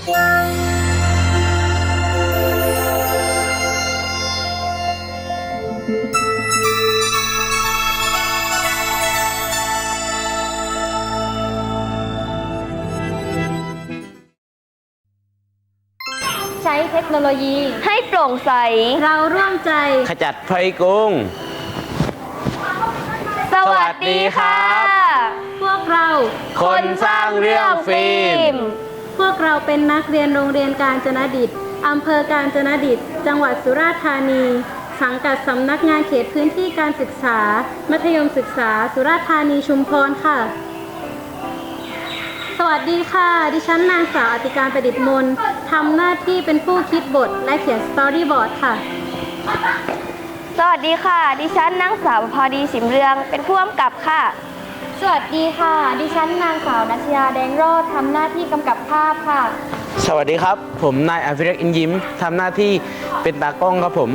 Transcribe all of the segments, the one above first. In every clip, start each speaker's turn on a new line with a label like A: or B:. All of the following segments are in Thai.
A: ใช้เทคโนโลยี
B: ให้โปร่งใส
A: เราร่วมใจ
C: ขจัดภัยกุ้ง
B: สวัสดีค่ะ
A: พวกเรา
C: คนสร้างเรื่องฟิล์ม
A: พวกเราเป็นนักเรียนโรงเรียนกาญจนดิตอำเภอกาญจนดิตจังหวัดสุราษฎร์ธานีสังกัดสำนักงานเขตพื้นที่การศึกษามัธยมศึกษาสุราษฎร์ธานีชุมพรค่ะสวัสดีค่ะดิฉันนางสาวอติการประดิษฐ์มนทำหน้าที่เป็นผู้คิดบทและเขียนสตอรี่บอร์ดค่ะ
B: สวัสดีค่ะดิฉันนางสาวพอดีสิมเรืองเป็นผู้กำกับค่ะ
A: สวัสดีค่ะดิฉันนางสาวนัชยาแดงโรจน์ทำหน้าที่กำกับภาพค่ะ
C: สวัสดีครับผมนายอภิรักษ์อินยิ้มทำหน้าที่เป็นตากล้องครับผม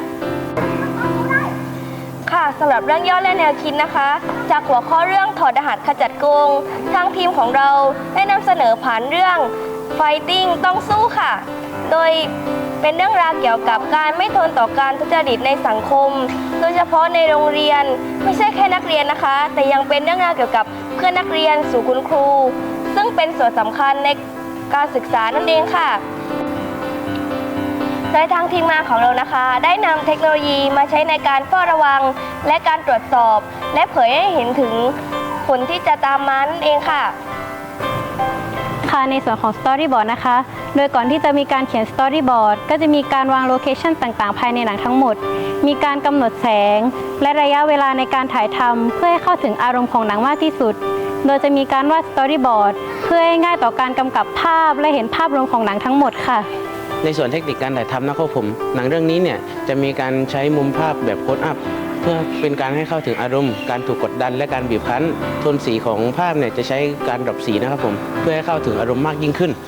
B: ค่ะสำหรับเรื่องย่อและแนวคิดนะคะจากหัวข้อเรื่องถอดรหัสขจัดโกงทางทีมของเราได้นำเสนอผ่านเรื่อง Fighting ต้องสู้ค่ะโดยเป็นเรื่องราวเกี่ยวกับการไม่ทนต่อการทุจริตในสังคมโดยเฉพาะในโรงเรียนไม่ใช่แค่นักเรียนนะคะแต่ยังเป็นเรื่องราวเกี่ยวกับเพื่อนนักเรียนสู่คุณครูซึ่งเป็นส่วนสำคัญในการศึกษานั่นเองค่ะโดยทางทีมงานของเรานะคะได้นำเทคโนโลยีมาใช้ในการเฝ้าระวังและการตรวจสอบและเผยให้เห็นถึงผลที่จะตามมานั่นเองค่ะ
A: ในส่วนของ Storyboard นะคะโดยก่อนที่จะมีการเขียน Storyboard ก็จะมีการวางโลเคชั่นต่างๆภายในหนังทั้งหมดมีการกำหนดแสงและระยะเวลาในการถ่ายทำเพื่อให้เข้าถึงอารมณ์ของหนังมากที่สุดโดยจะมีการวาด Storyboard เพื่อให้ง่ายต่อการกำกับภาพและเห็นภาพรวมของหนังทั้งหมดค่ะ
C: ในส่วนเทคนิคการถ่ายทำนะครับผมหนังเรื่องนี้เนี่ยจะมีการใช้มุมภาพแบบโคลอัพเพื่อเป็นการให้เข้าถึงอารมณ์การถูกกดดันและการบีบคั้นโทนสีของภาพเนี่ยจะใช้การดรอปสีนะครับผมเพื่อให้เข้าถึงอารมณ์มากยิ่งขึ้น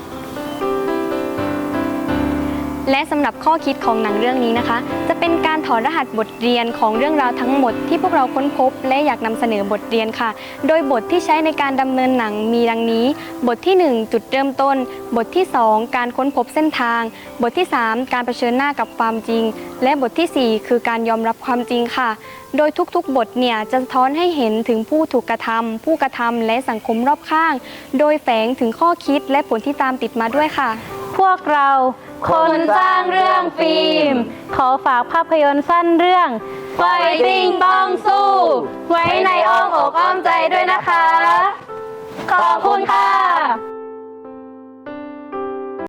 D: และสำหรับข้อคิดของหนังเรื่องนี้นะคะจะเป็นการถอดรหัสบทเรียนของเรื่องราวทั้งหมดที่พวกเราค้นพบและอยากนำเสนอบทเรียนค่ะโดยบทที่ใช้ในการดำเนินหนังมีดังนี้บทที่1จุดเริ่มต้นบทที่2การค้นพบเส้นทางบทที่3การเผชิญหน้ากับความจริงและบทที่4คือการยอมรับความจริงค่ะโดยทุกๆบทเนี่ยจะสะท้อนให้เห็นถึงผู้ถูกกระทำผู้กระทำและสังคมรอบข้างโดยแฝงถึงข้อคิดและผลที่ตามติดมาด้วยค่ะ
A: พวกเราคนสร้างเรื่องฟิล์มขอฝากภาพยนตร์สั้นเรื่อง Fighting ต้องสู้ไว้ในอ้อมอกอ้อมใจด้วยนะคะขอบคุณค่ะ